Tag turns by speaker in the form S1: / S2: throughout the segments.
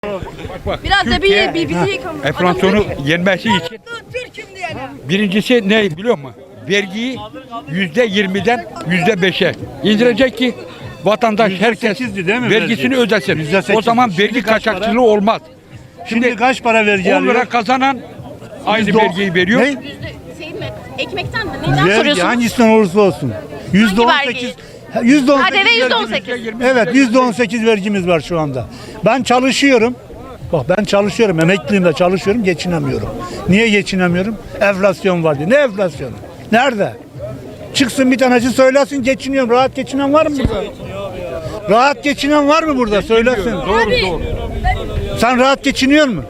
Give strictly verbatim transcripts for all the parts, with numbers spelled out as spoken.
S1: Bak,
S2: Biraz da
S1: Türkiye,
S2: bir, bir bizi yıkamış.
S1: enflasyonu yenmesi için birincisi ne biliyor musun? Vergiyi yüzde yirmiden yüzde beşe indirecek ki vatandaş herkes
S3: değil mi
S1: vergisini
S3: vergi?
S1: ödesin.
S3: yüzde sekiz.
S1: O zaman vergi
S3: Şimdi kaç para?
S1: kaçakçılığı olmaz.
S3: Şimdi,
S1: Şimdi
S3: kaç para vergi
S1: on lira
S3: alıyor?
S1: kazanan aynı
S3: Yüzde on-
S1: vergiyi veriyor.
S3: Ne?
S2: Şey mi? Ekmekten mi? Neyden
S3: Vergi
S2: soruyorsunuz?
S3: hangisinden olursa olsun. Yüzde on
S2: Hangi
S3: sekiz. Yüzde on
S2: K D V
S3: sekiz
S2: yüzde on
S3: vergimiz-
S2: sekiz.
S3: Evet, yüzde on sekiz vergimiz var şu anda. Ben çalışıyorum. Bak ben çalışıyorum, emekliyim de çalışıyorum, geçinemiyorum. Niye geçinemiyorum? Enflasyon var diye. Ne enflasyonu? Nerede? Çıksın bir tanesi söylesin geçiniyorum. Rahat geçinen var mı burada? Rahat geçinen var mı burada? Söylesin.
S1: Doğru doğru.
S3: Sen rahat geçiniyor musun?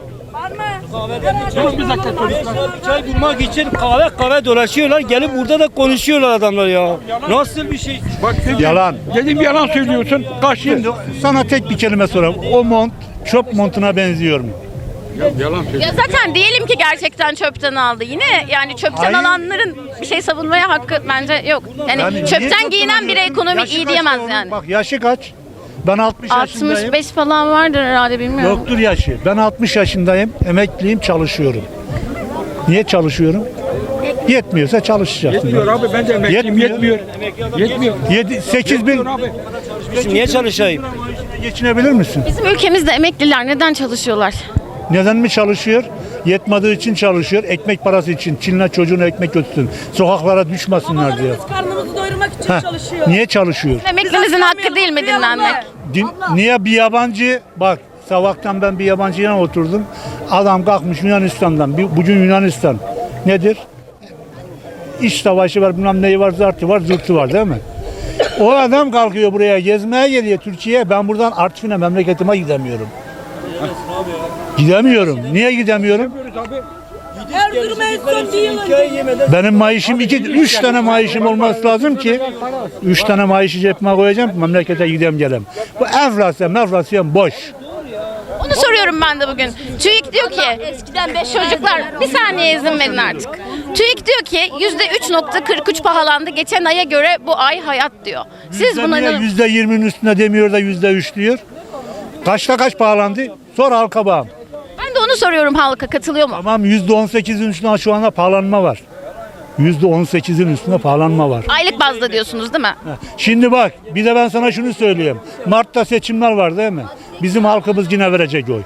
S4: Çay bulmak için kahve kahve dolaşıyorlar. Gelip burada da konuşuyorlar adamlar ya. Nasıl bir şey?
S1: Bak dedim,
S3: Yalan.
S1: Dedim yalan söylüyorsun. Kaçtı.
S3: Şimdi sana tek bir kelime sorayım. O mont çöp montuna benziyor mu?
S1: Yalan söylüyorsun.
S2: Ya zaten diyelim ki gerçekten çöpten aldı. Yine yani çöpten
S3: Hayır.
S2: alanların bir şey savunmaya hakkı bence yok. Yani,
S3: Yani niye
S2: çöpten
S3: çöpten
S2: giyinen biri
S3: alıyorsun?
S2: ekonomi
S3: Yaşı
S2: iyi
S3: kaç
S2: diyemez
S3: onun?
S2: yani.
S3: Bak yaşı kaç? Ben altmış yaşındayım.
S2: altmış beş falan vardır herhalde bilmiyorum.
S3: Yoktur yaşı. Ben altmış yaşındayım. Emekliyim, çalışıyorum. Niye çalışıyorum? Yetmiyorsa çalışacaksın.
S1: Yetmiyor abi ben de emekliyim
S3: Yetmiyor.
S1: yetmiyor. Yetmiyor.
S3: yedi sekiz bin
S1: Abi.
S4: Niye çalışayım?
S3: geçinebilir misin?
S2: Bizim ülkemizde emekliler neden çalışıyorlar?
S3: Neden mi çalışıyor? Yetmediği için çalışıyor. Ekmek parası için. Çin'le çocuğuna ekmek götürsün. Sokaklara düşmesinler diye.
S5: Babalarımız karnımızı doyurmak için
S3: Heh,
S5: çalışıyor.
S3: niye çalışıyor?
S2: Emeklimizin hakkı değil mi dinlenmek?
S3: Din- niye bir yabancı bak sabahtan ben bir yabancıyla oturdum. Adam kalkmış Yunanistan'dan. Bir- Bugün Yunanistan nedir? İç savaşı var, bilmem neyi var, zartı var, zurtu var değil mi? O adam kalkıyor buraya gezmeye geliyor Türkiye'ye. Ben buradan Artvin'e memleketime gidemiyorum. Gidemiyorum. Niye gidemiyorum?
S5: Erzurum'a en son bir yıl önce.
S3: Benim maaşım iki, üç tane maaşım olması lazım ki üç tane maaşı cebime koyacağım ki memlekete gideyim gelem. Bu enflasyon, enflasyon boş.
S2: Onu soruyorum ben de bugün. TÜİK diyor ki eskiden beş çocuklar bir saniye izin verin artık. TÜİK diyor ki yüzde üç nokta kırk üç pahalandı geçen aya göre bu ay hayat diyor. Siz buna
S3: Niye
S2: ne?
S3: yüzde yirminin üstüne demiyor da yüzde üç diyor? Kaçta kaç pahalandı? Sor halka bağım.
S2: Ben de onu soruyorum, halka katılıyor mu?
S3: Tamam yüzde on sekizin üstünde şu anda pahalanma var. Yüzde on sekizin üstünde pahalanma var.
S2: Aylık bazda diyorsunuz değil mi?
S3: Şimdi bak bir de ben sana şunu söyleyeyim. Mart'ta seçimler var değil mi? Bizim halkımız yine verecek oy.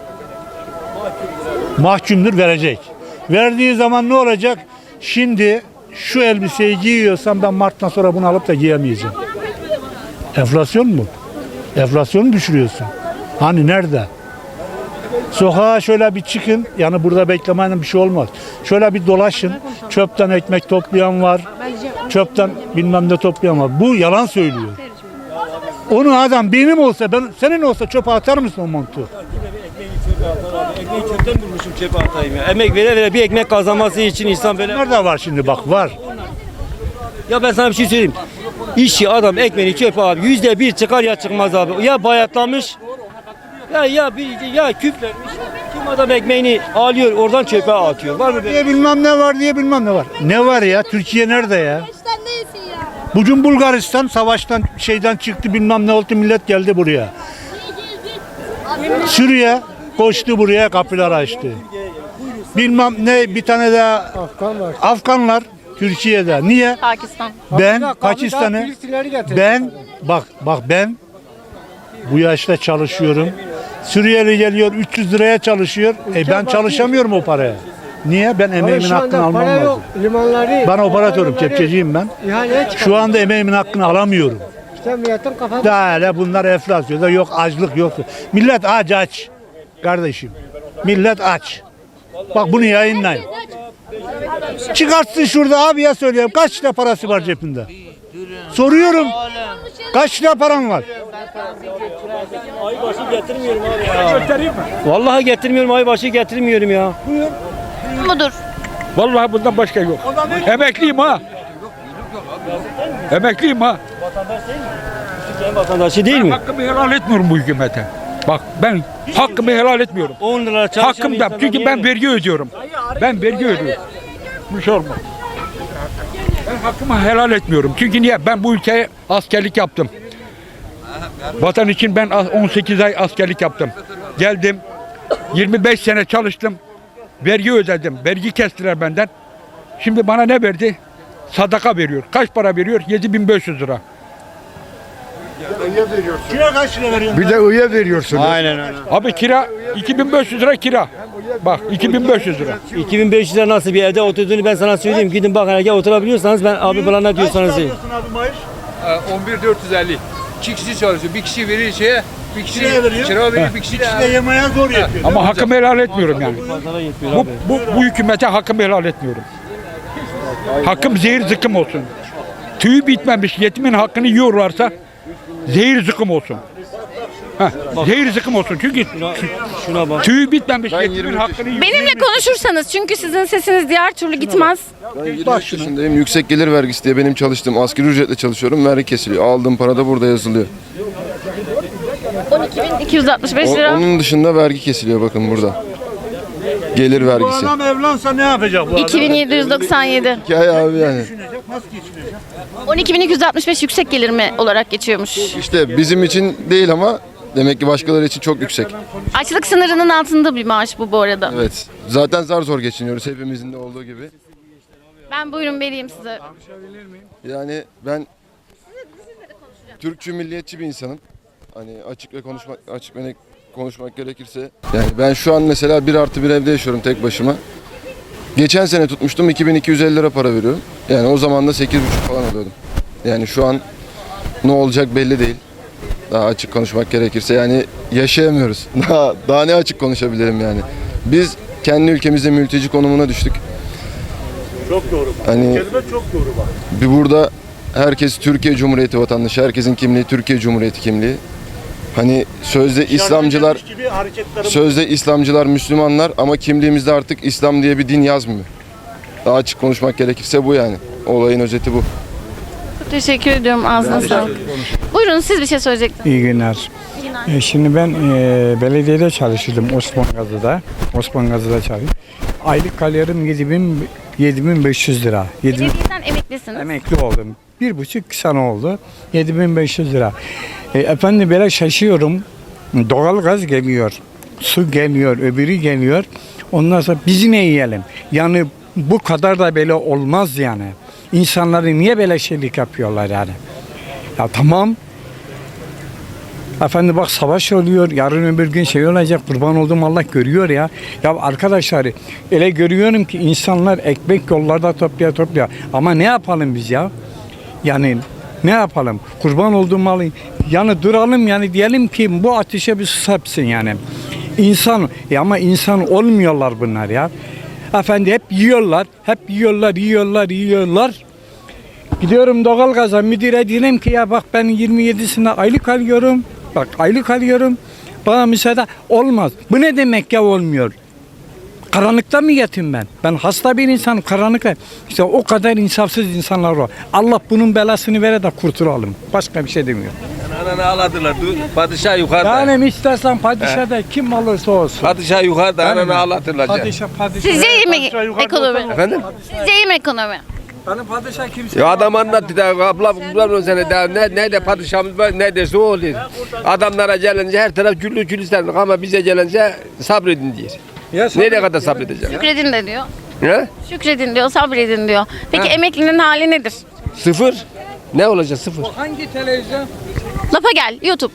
S3: Mahkumdur verecek. Verdiği zaman ne olacak? Şimdi şu elbiseyi giyiyorsam ben Mart'tan sonra bunu alıp da giyemeyeceğim. Enflasyon mu? Enflasyonu düşürüyorsun. Hani nerede? Sokağa şöyle bir çıkın. Yani burada beklemenin bir şey olmaz. Şöyle bir dolaşın. Çöpten ekmek toplayan var. Çöpten bilmem ne toplayan var. Bu yalan söylüyor. Onu adam benim olsa, ben senin olsa çöpe atar mısın o montu?
S4: Ekmeği çöpten bulmuşum çöpe atayım ya. Emek vere vere bir ekmek kazanması için insan böyle...
S3: Nerede var şimdi bak var.
S4: Ya ben sana bir şey söyleyeyim. İşçi adam ekmeğini çöpe abi. Yüzde bir çıkar ya çıkmaz abi. Ya bayatlamış. Ya ya bir ya küflenmiş. Kim adam ekmeğini alıyor oradan çöpe atıyor. Var mı böyle?
S3: Diye bilmem ne var diye bilmem ne var. Ne var ya? Türkiye nerede ya? Bugün Bulgaristan savaştan şeyden çıktı bilmem ne oldu millet geldi buraya. Suriye koştu buraya kapılar açtı. Bilmem ne bir tane daha Afganlar Türkiye'de. Niye?
S2: Pakistan.
S3: Ben Pakistan'ı ben bak bak ben bu yaşta çalışıyorum. Suriyeli geliyor üç yüz liraya çalışıyor. E ben çalışamıyorum o paraya. Niye? Ben emeğimin hakkını almam lazım.
S6: Limanları.
S3: Ben operatörüm, kepçeciyim ben.
S6: İhaleye çıkar.
S3: Şu anda emeğimin hakkını alamıyorum.
S6: İşte milletin kafası.
S3: Daha hele bunlar enflasyonda yok açlık yok. Millet aç aç. Kardeşim. Millet aç. Bak bunu yayınlayın. Çıkartsın şurada abiye söyleyeyim. Kaç lira parası var cebinde? Soruyorum. Kaç lira paran var?
S4: Ay başı getirmiyorum abi ya. Vallahi getirmiyorum ay başı getirmiyorum ya.
S2: Mudur?
S1: Vallahi bundan başka yok. Emekliyim ha. Emekliyim ha.
S4: Türkiye'nin vatandaşı değil mi?
S1: Hakkımı helal etmiyorum bu hükümete. Bak ben hakkımı helal etmiyorum.
S4: on lira çalışan
S1: Hakkımda
S4: insanlar
S1: çünkü
S4: niye
S1: ben
S4: mi?
S1: vergi ödüyorum. Ben vergi ödüyorum. Bu şey olmaz. Ben hakkımı helal etmiyorum. Çünkü niye? Ben bu ülkeye askerlik yaptım. Vatan için ben on sekiz ay askerlik yaptım. Geldim. yirmi beş sene çalıştım. Vergi ödedim. Vergi kestiler benden. Şimdi bana ne verdi? Sadaka veriyor. Kaç para veriyor? yedi bin beş yüz lira.
S3: Kira kaç lira veriyorsun?
S7: Bir de üye veriyorsun.
S4: Aynen öyle.
S1: Abi kira iki bin beş yüz lira kira. Bak iki bin beş yüz lira.
S4: iki bin beş yüz lira nasıl bir evde oturduğunu ben sana söyleyeyim. Gidin bakın eğer oturabiliyorsanız ben abi bana ne diyorsanız deyin.
S3: Abi maaş?
S8: on bir dört yüz elli. İki kişi çalışıyor. Bir kişi verir şeye, bir kişi
S3: Kiraya veriyor.
S8: kira veriyor, bir kişi de
S3: İşte yemeğe zor yapıyor.
S1: Ama hakkımı helal etmiyorum yani.
S4: Pazara yetmiyor
S1: Bu,
S4: abi.
S1: bu, bu hükümete hakkımı helal etmiyorum. Hakkım zehir zıkkım olsun. Tüyü bitmemiş yetimin hakkını yiyorlarsa zehir zıkkım olsun. Heh, zehir zıkkım olsun çünkü
S4: Şuna bak.
S1: tüyü bitmemiş yetimin hakkını yiyor.
S2: Benimle konuşursanız çünkü sizin sesiniz diğer türlü gitmez.
S7: Ben yirmi beş yaşındayım. Yüksek gelir vergisi diye benim çalıştığım asgari ücretle çalışıyorum. Vergi kesiliyor. Aldığım para da burada yazılıyor.
S2: on iki bin iki yüz altmış beş
S7: O-
S2: lira.
S7: onun dışında vergi kesiliyor bakın burada. Gelir
S3: Bu
S7: vergisi.
S3: adam evlense ne yapacak bu adam?
S2: iki bin yedi yüz doksan yedi.
S7: Hikaye abi yani.
S3: Geçinecek, nasıl geçinecek?
S2: on iki bin iki yüz altmış beş yüksek gelir mi olarak geçiyormuş.
S7: İşte bizim için değil ama demek ki başkaları için çok yüksek.
S2: Açlık sınırının altında bir maaş bu bu arada.
S7: Evet. Zaten zar zor geçiniyoruz hepimizin de olduğu gibi.
S2: Ben buyurun vereyim size.
S7: Yani ben Türkçü milliyetçi bir insanım. Hani açık ve konuşmak açık ve net konuşmak gerekirse. Yani ben şu an mesela bir artı bir evde yaşıyorum tek başıma. Geçen sene tutmuştum iki bin iki yüz elli lira para veriyorum. Yani o zaman da sekiz buçuk falan alıyordum. Yani şu an ne olacak belli değil. Daha açık konuşmak gerekirse yani yaşayamıyoruz. Daha, daha ne açık konuşabilirim yani. Biz kendi ülkemizde mülteci konumuna düştük.
S3: Çok doğru bak.
S7: Hani
S3: Kelime çok doğru bak.
S7: bir burada herkes Türkiye Cumhuriyeti vatandaşı, herkesin kimliği Türkiye Cumhuriyeti kimliği. Hani sözde İslamcılar,
S3: Gibi hareketlerim
S7: sözde İslamcılar Müslümanlar ama kimliğimizde artık İslam diye bir din yazmıyor. Daha açık konuşmak gerekirse bu yani. Olayın özeti bu.
S2: Çok teşekkür ediyorum. Ağzına sağlık. Buyurun siz bir şey söyleyecektiniz.
S9: İyi günler. E, Şimdi ben e, belediyede çalışırdım Osman Gazi'de. Osman Gazi'de çalıştım. Aylık alıyorum yedi bin beş yüz lira. yedi bin
S2: Belediyeden emeklisiniz.
S9: emekli oldum. Bir buçuk sene oldu. yedi bin beş yüz lira. E, efendim böyle şaşıyorum. Doğal gaz geliyor. Su geliyor. Öbürü geliyor. Ondan sonra biz ne yiyelim? Yani bu kadar da böyle olmaz yani. İnsanları niye böyle şeylik yapıyorlar yani? Ya tamam. Efendim bak savaş oluyor. Yarın öbür gün şey olacak. Kurban olduğum Allah görüyor ya. Ya arkadaşlar öyle görüyorum ki insanlar ekmek yollarda toplaya toplaya. Ama ne yapalım biz ya? Yani ne yapalım? Kurban olduğum malı yani duralım yani diyelim ki bu ateşe bir susapsın yani. İnsan ya ama insan olmuyorlar bunlar ya. Efendi hep yiyorlar. Hep yiyorlar, yiyorlar, yiyorlar. Gidiyorum doğalgaza müdüre diyelim ki ya bak ben yirmi yedisinde aylık alıyorum. Bak aylık alıyorum. Bana müsaade olmaz. Bu ne demek ya olmuyor? Karanlıkta mı yatayım ben? Ben hasta bir insanım karanlıkta. İşte o kadar insafsız insanlar var. Allah bunun belasını vere de kurtulalım. Başka bir şey demiyorum.
S8: Ananı ağladılar. Padişah yukarıda.
S9: Yani istersen padişah da kim olursa olsun.
S8: Padişah yukarıda
S9: Yani
S8: ananı ağlatırlar.
S9: Padişah padişah.
S2: Sizce iyi mi
S9: Padişah yukarıda
S2: ekonomi?
S9: olsa-
S8: Efendim?
S2: Sizce iyi mi ekonomi?
S9: Benim padişah kimse.
S8: Ya adam anlattı da abla abla sene daha ne ne de padişahımız var ne derse o oluyor. Adamlara gelince her taraf güllü gülistanlık ama bize gelince sabredin diyor.
S9: Ya sen-
S8: Nereye kadar sabredeceğim?
S2: Şükredin de diyor.
S8: Ne?
S2: Şükredin diyor, sabredin diyor. Peki
S8: Ha.
S2: emeklinin hali nedir?
S8: Sıfır. Ne olacak sıfır?
S9: Hangi televizyon?
S2: Lafa gel, YouTube.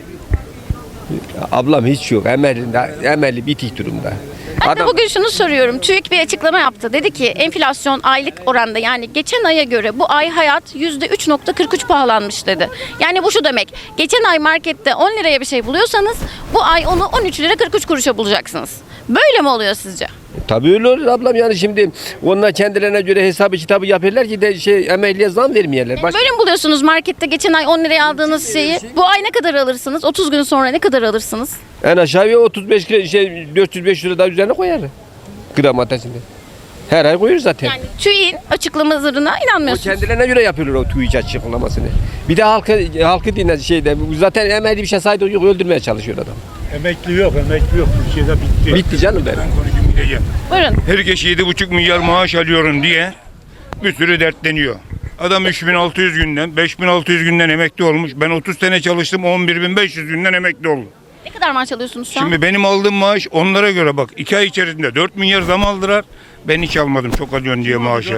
S8: Ablam hiç yok. Emelinde, emeli bitik durumda.
S2: Ben de bugün şunu soruyorum. TÜİK bir açıklama yaptı. Dedi ki enflasyon aylık oranda yani geçen aya göre bu ay hayat yüzde üç nokta kırk üç pahalanmış dedi. Yani bu şu demek. Geçen ay markette on liraya bir şey buluyorsanız bu ay onu on üç lira kırk üç kuruşa bulacaksınız. Böyle mi oluyor sizce?
S8: Tabii öyle olur ablam yani şimdi onlar kendilerine göre hesabı kitabı yapıyorlar ki de şey emekliye zam vermeyeler. Baş...
S2: Böyle mi buluyorsunuz markette geçen ay on liraya aldığınız şeyi? Bu ay ne kadar alırsınız? otuz gün sonra ne kadar alırsınız?
S8: En aşağıya otuz beş kilo- şey dört yüz beş lira daha üzerine koyarlar. Gram ateşinde. Her ay koyuyor zaten.
S2: Yani TÜİK'in açıklamalarına
S8: O
S2: inanmıyorsunuz.
S8: kendilerine göre yapıyorlar o TÜİK açıklamasını. Bir de halkı halkı dinle şeyde zaten emekli bir şey saydı yok öldürmeye çalışıyor adam.
S3: emekli yok, emekli yok. Türkiye'de bitti.
S8: Bitti canım benim.
S2: Buyurun.
S10: Herkes yedi buçuk milyar maaş alıyorum diye bir sürü dertleniyor. Adam üç bin altı yüz günden, beş bin altı yüz günden emekli olmuş. Ben otuz sene çalıştım, on bir bin beş yüz günden emekli oldum.
S2: Ne kadar kadar maaş alıyorsunuz şu an?
S10: Şimdi benim aldığım maaş onlara göre bak. iki ay içerisinde dört milyar zam aldılar. Ben hiç almadım çok alıyorsun diye maaşı.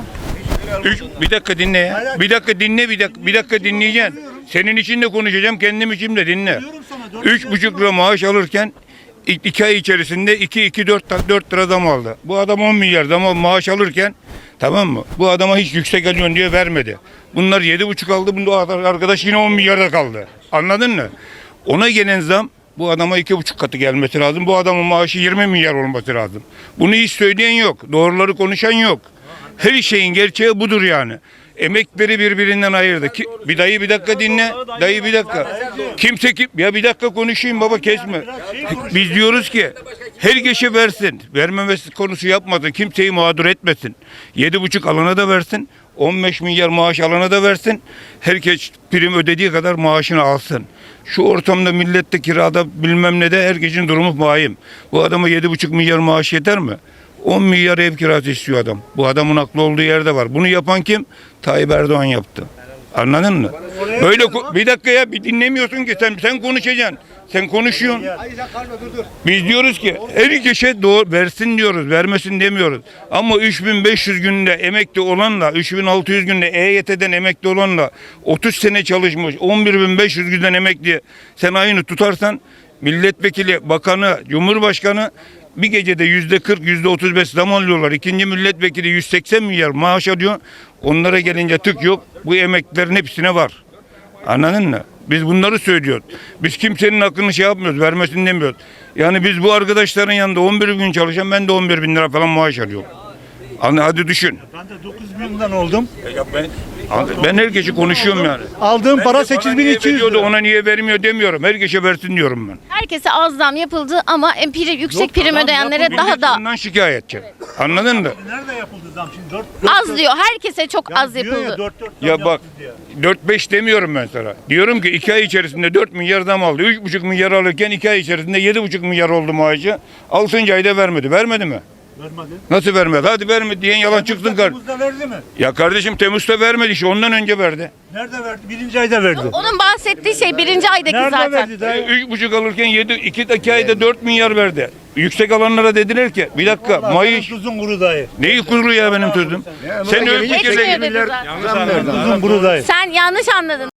S10: Üç, bir dakika dinle ya. Bir dakika dinle bir dakika. Bir dakika dinleyeceksin. Senin için de konuşacağım kendim için de dinle. Üç buçuk lira maaş alırken İlk iki ay içerisinde iki iki dört dört lira zam aldı. Bu adam on milyar zam maaş alırken, tamam mı? Bu adama hiç yüksek alıyorsun diye vermedi. Bunlar yedi buçuk aldı. Bu arkadaş yine on milyarda kaldı. Anladın mı? Ona gelen zam bu adama iki buçuk katı gelmesi lazım. Bu adamın maaşı yirmi milyar olması lazım. Bunu hiç söyleyen yok. Doğruları konuşan yok. Her şeyin gerçeği budur yani. Emekleri birbirinden ayırdı. Ki, bir dayı bir dakika dinle. Dayı bir dakika. Kimse kim? Ya bir dakika konuşayım baba kesme. Biz diyoruz ki herkese versin. Vermemesi konusu yapmasın. Kimseyi mağdur etmesin. Yedi buçuk alana da versin. on beş milyar maaş alana da versin. Herkes prim ödediği kadar maaşını alsın. Şu ortamda millette kirada bilmem ne de herkesin durumu vahim. Bu adama yedi buçuk milyar maaş yeter mi? on milyar ev kirası istiyor adam. Bu adamın aklı olduğu yerde var. Bunu yapan kim? Tayyip Erdoğan yaptı. Anladın mı? Böyle bir dakika ya bir dinlemiyorsun ki sen sen konuşacaksın. Sen konuşuyorsun. Biz diyoruz ki her kişi doğru versin diyoruz. Vermesin demiyoruz. Ama üç bin beş yüz günde emekli olanla üç bin altı yüz günde E Y T'den emekli olanla otuz sene çalışmış on bir bin beş yüz günden emekli sen aynı tutarsan milletvekili, bakanı, cumhurbaşkanı bir gecede yüzde kırk, yüzde otuz beş zam alıyorlar. İkinci milletvekili yüz seksen milyar maaş alıyor. Onlara gelince tık yok. Bu emeklilerin hepsine var. Anladın mı? Biz bunları söylüyoruz. Biz kimsenin hakkını şey yapmıyoruz, vermesini demiyoruz. Yani biz bu arkadaşların yanında on bir gün çalışan ben de on bir bin lira falan maaş alıyorum. Anladın, hadi düşün.
S3: Ben de dokuz binden oldum.
S10: Ya ben, ben herkese konuşuyorum yani.
S3: Aldığım para
S10: Bana
S3: sekiz bin
S10: niye
S3: iki yüz
S10: veriyordu,
S3: lira.
S10: ona niye vermiyor demiyorum. Herkese versin diyorum ben.
S2: Herkese az zam yapıldı ama em- prim, yüksek prim ödeyenlere daha
S10: Millet
S2: da
S10: bundan şikayetçi. Anladın mı?
S3: Nerede yapıldı zam şimdi?
S2: az diyor. Herkese çok az yapıldı.
S10: Ya bak dört beş demiyorum ben sana. Diyorum ki iki ay içerisinde dört milyar zam aldı. üç buçuk milyar alırken iki ay içerisinde yedi buçuk milyar oldu maaşı. altıncı ayda vermedi. Vermedi mi?
S3: Vermedi.
S10: Nasıl vermedi? Hadi vermedi diyen yalan çıksın. Kar
S3: Temmuz'da verdi mi?
S10: ya kardeşim Temmuz'da vermedi işte ondan önce verdi.
S3: Nerede verdi? Birinci ayda verdi.
S2: Onun bahsettiği şey birinci aydaki
S3: Nerede
S2: zaten.
S3: verdi dayı?
S10: üç buçuk alırken yedi, iki, iki ayda dört milyar verdi. Yüksek alanlara dediler ki bir dakika Mayıs.
S3: Tuzun kuru dayı.
S10: Neyi kuru ya benim sözüm? Sen öyle bir
S2: Geçmiyor
S10: kere
S2: dedi zaten.
S3: Tuzun kuru dayı.
S2: Sen yanlış anladın.